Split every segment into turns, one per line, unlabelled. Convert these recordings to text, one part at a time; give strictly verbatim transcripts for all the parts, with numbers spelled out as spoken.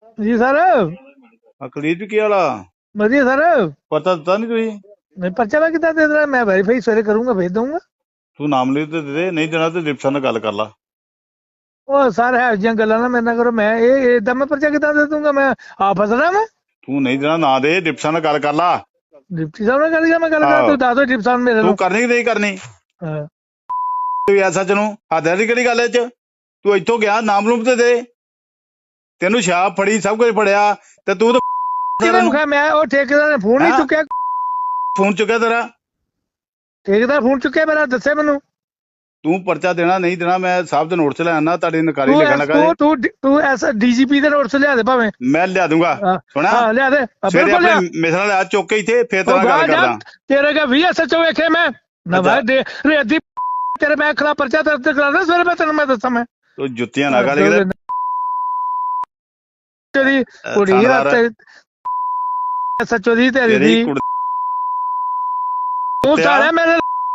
ਜੀ ਸਰ।
ਅਕਲੀਤ ਵੀ ਕੀ ਵਾਲਾ
ਵਧੀਆ ਸਰ।
ਪਤਾ ਦਿੱਤਾ ਨਹੀਂ ਤੁਸੀਂ?
ਨਹੀਂ ਪਰਚਾ ਮੈਂ ਕਿੱਦਾਂ ਦੇ ਦੇਣਾ? ਮੈਂ ਵੈਰੀਫਾਈ ਸਵੇਰੇ ਕਰੂੰਗਾ, ਭੇਜ ਦਊਂਗਾ।
ਤੂੰ ਨਾਮ ਲਿਖ ਤੇ ਦੇ ਦੇ, ਨਹੀਂ ਦੇਣਾ ਤੇ ਡਿਪਟੀ ਨਾਲ ਗੱਲ ਕਰ ਲਾ।
ਉਹ ਸਰ ਹੈ ਜਿਹੀਆਂ ਗੱਲਾਂ ਨਾ ਮੇਰੇ ਨਾਲ ਕਰੋ। ਮੈਂ ਇਹ ਏਦਾਂ ਮੈਂ ਪਰਚਾ ਕਿੱਦਾਂ ਦੇ ਦੂੰਗਾ? ਮੈਂ ਆਪ ਫਸਣਾ ਮੈਂ।
ਤੂੰ ਨਹੀਂ ਦੇਣਾ ਨਾ ਦੇ, ਡਿਪਟੀ ਨਾਲ ਗੱਲ ਕਰ ਲਾ।
ਡਿਪਟੀ ਸਾਹਿਬ ਨਾਲ ਗੱਲ ਕਰ, ਮੈਂ ਗੱਲ ਕਰਾਂ?
ਆਹੋ
ਤੂੰ ਦੱਸ ਦੋ ਡਿਪਟੀ ਸਾਹਿਬ ਮੇਰੇ
ਤੂੰ
ਨੂੰ।
ਕਰਨੀ ਕਿ ਨਹੀਂ ਕਰਨੀ?
ਹਾਂ।
ਤੂੰ ਐਸਾ ਚ ਨੂੰ ਹੱਦ ਦੀ ਕਿਹੜੀ ਗੱਲ ਇਹ ਚ? ਤੂੰ ਇੱਥੋਂ ਗਿਆ, ਨਾਮ ਲੂਮ ਤੇ ਦੇ। ਤੈਨੂੰ ਸ਼ਾਪ ਫੜੀ, ਸਭ ਕੁਝ ਫੜਿਆ ਤੇ ਤੂੰ ਤਾਂ
ਕਿਵੇਂ ਮੁਖਾ? ਮੈਂ ਉਹ ਠੇਕੇਦਾਰ ਨੇ ਫੋਨ ਨਹੀਂ ਚੁੱਕਿਆ।
ਫੋਨ ਚੁੱਕਿਆ ਤੇਰਾ?
ਠੇਕੇਦਾਰ ਫੋਨ ਚੁੱਕਿਆ ਮੇਰਾ, ਦੱਸੇ ਮੈਨੂੰ।
ਤੂੰ ਪਰਚਾ ਦੇਣਾ ਨਹੀਂ ਦੇਣਾ, ਮੈਂ ਸਾਹਿਬ ਦੇ ਨੋਟ ਚ ਲੈ ਆਣਾ, ਤੁਹਾਡੀ ਨਕਾਰੀ
ਤੂੰ
ਲਿਖਣ
ਐਸ
ਲੱਗਾ
ਤੂੰ
ਜੀ।
ਤੂੰ ਤੂੰ ਐਸ ਡੀਜੀਪੀ ਦੇ ਨੋਟਸ ਲਿਆ ਦੇ ਭਾਵੇਂ।
ਮੈਂ ਲਿਆ ਦੂੰਗਾ। ਸੁਣਾ,
ਹਾਂ ਲਿਆ ਦੇ,
ਸਵੇਰੇ
ਬਿਲਕੁਲ
ਆਪਣੇ
ਲਿਆ।
ਮਿਸਰਾਂ ਲਿਆ ਚੁੱਕ ਕੇ ਇੱਥੇ, ਫੇਰ
ਉਹ
ਤੇਰਾ
ਗਾ
ਗੱਲ
ਜਾ,
ਕਰਦਾ।
ਤੇਰੇ ਕੇ ਵੀ ਐਸਐਚਓ ਵੇਖੇ ਮੈਂ ਨਾ
ਅੱਛਾ।
ਮੈਂ ਦੇ ਰੇਦੀ ਤੇਰੇ ਮੈਂ ਖਿਲਾਫ ਪਰਚਾ ਦਰਜ ਕਰਾਉਣਾ ਸਵੇਰੇ। ਮੈਂ ਤੈਨੂੰ ਮੈਂ ਦੱਸਾਂ। ਮੈਂ
ਤੂੰ ਜੁੱਤੀਆਂ ਨਾ ਗਾਲੀ ਕਿਤੇ
ਤੇਰੀ ਕੁੜੀ ਆ
ਥਾਣੇਦਾਰ
ਤੇ ਐਸਐਚਓ ਦੀ ਤੇਰੀ
ਤੇਰੀ
ਦੀ
ਕੁੜੀ
ਤੂੰ ਸਾਲਿਆ ਮੇਰੇ।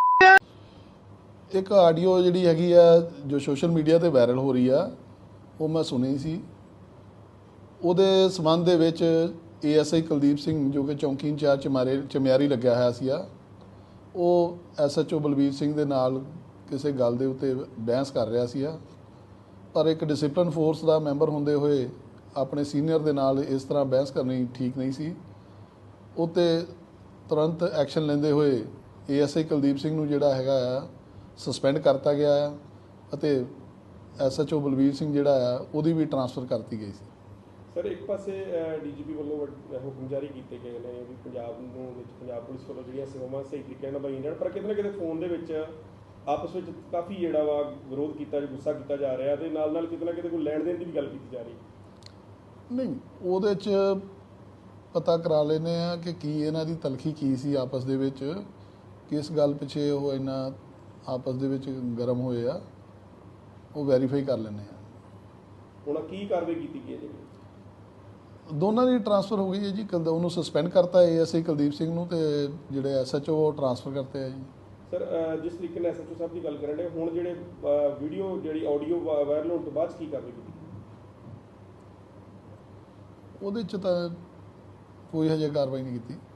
ਇੱਕ ਆਡੀਓ ਜਿਹੜੀ ਹੈਗੀ ਆ ਜੋ ਸੋਸ਼ਲ ਮੀਡੀਆ ਤੇ ਵਾਇਰਲ ਹੋ ਰਹੀ ਆ, ਉਹ ਮੈਂ ਸੁਣੀ ਸੀ। ਉਹਦੇ ਸੰਬੰਧ ਦੇ ਵਿੱਚ ਏਐਸਆਈ ਕੁਲਦੀਪ ਸਿੰਘ ਜੋ ਕਿ ਚੌਂਕੀ ਇੰਚਾਰਜ ਚਮਾਰੇ ਚਮਿਆਰੀ ਲੱਗਿਆ ਹੋਇਆ ਸੀ ਆ, ਉਹ ਐਸਐਚਓ ਬਲਬੀਰ ਸਿੰਘ ਦੇ ਨਾਲ ਕਿਸੇ ਗੱਲ ਦੇ ਉੱਤੇ ਬਹਿਸ ਕਰ ਰਿਹਾ ਸੀ ਆ। ਪਰ ਇੱਕ ਡਿਸਪਲਿਨ ਫੋਰਸ ਦਾ ਮੈਂਬਰ ਹੁੰਦੇ ਹੋਏ ਆਪਣੇ ਸੀਨੀਅਰ ਦੇ ਨਾਲ ਇਸ ਤਰ੍ਹਾਂ ਬਹਿਸ ਕਰਨੀ ਠੀਕ ਨਹੀਂ ਸੀ। ਉਹ 'ਤੇ ਤੁਰੰਤ ਐਕਸ਼ਨ ਲੈਂਦੇ ਹੋਏ ਏਐਸਆਈ ਕੁਲਦੀਪ ਸਿੰਘ ਨੂੰ ਜਿਹੜਾ ਹੈਗਾ ਆ ਸਸਪੈਂਡ ਕਰਤਾ ਗਿਆ ਆ ਅਤੇ ਐਸਐਚਓ ਬਲਬੀਰ ਸਿੰਘ ਜਿਹੜਾ ਆ ਉਹਦੀ ਵੀ ਟਰਾਂਸਫਰ ਕਰਤੀ ਗਈ ਸੀ।
ਸਰ ਇੱਕ ਪਾਸੇ ਡੀਜੀਪੀ ਵੱਲੋਂ ਹੁਕਮ ਜਾਰੀ ਕੀਤੇ ਗਏ ਨੇ ਵੀ ਪੰਜਾਬ ਨੂੰ ਵਿੱਚ ਪੰਜਾਬ ਪੁਲਿਸ ਵੱਲੋਂ ਜਿਹੜੀਆਂ ਸੇਵਾਵਾਂ ਸਹੀ ਤਰੀਕੇ ਨਾਲ ਨਿਭਾਈਆਂ ਜਾਣ, ਪਰ ਕਿਤੇ ਨਾ ਕਿਤੇ ਫੋਨ ਦੇ ਵਿੱਚ ਆਪਸ ਵਿੱਚ ਕਾਫੀ ਜਿਹੜਾ ਵਾ ਵਿਰੋਧ ਕੀਤਾ, ਗੁੱਸਾ ਕੀਤਾ ਜਾ ਰਿਹਾ ਤੇ ਨਾਲ ਨਾਲ ਕਿਤੇ ਨਾ ਕਿਤੇ ਕੋਈ ਲੈਣ ਦੇਣ ਦੀ ਵੀ ਗੱਲ ਕੀਤੀ ਜਾ ਰਹੀ।
ਨਹੀਂ, ਉਹਦੇ 'ਚ ਪਤਾ ਕਰਾ ਲੈਂਦੇ ਆ ਕਿ ਕੀ ਇਹਨਾਂ ਦੀ ਤਲਖੀ ਕੀ ਸੀ ਆਪਸ ਦੇ ਵਿੱਚ, ਕਿਸ ਗੱਲ ਪਿੱਛੇ ਉਹ ਇੰਨਾ ਆਪਸ ਦੇ ਵਿੱਚ ਗਰਮ ਹੋਏ ਆ, ਉਹ ਵੈਰੀਫਾਈ ਕਰ ਲੈਂਦੇ ਆ।
ਹੁਣ ਕੀ ਕਾਰਵਾਈ ਕੀਤੀ ਗਈ ਹੈ ਜੀ?
ਦੋਨਾਂ ਦੀ ਟਰਾਂਸਫਰ ਹੋ ਗਈ ਹੈ ਜੀ। ਕਲ ਉਹਨੂੰ ਸਸਪੈਂਡ ਕਰਤਾ ਏਐਸਆਈ ਕੁਲਦੀਪ ਸਿੰਘ ਨੂੰ, ਤੇ ਜਿਹੜੇ ਐਸਐਚਓ ਉਹ ਟਰਾਂਸਫਰ ਕਰਤੇ ਆ ਜੀ।
ਸਰ ਜਿਸ ਤਰੀਕੇ ਨਾਲ ਐਸਐਚਓ ਸਾਹਿਬ ਦੀ ਗੱਲ ਕਰਨ ਰਹੇ, ਹੁਣ ਜਿਹੜੇ ਵੀਡੀਓ ਜਿਹੜੀ ਆਡੀਓ ਵਾਇਰਲ ਹੋਣ ਤੋਂ ਬਾਅਦ ਕੀ ਕਾਰਵਾਈ ਕੀਤੀ?
ਉਹਦੇ 'ਚ ਤਾਂ ਕੋਈ ਹਜੇ ਕਾਰਵਾਈ ਨਹੀਂ ਕੀਤੀ।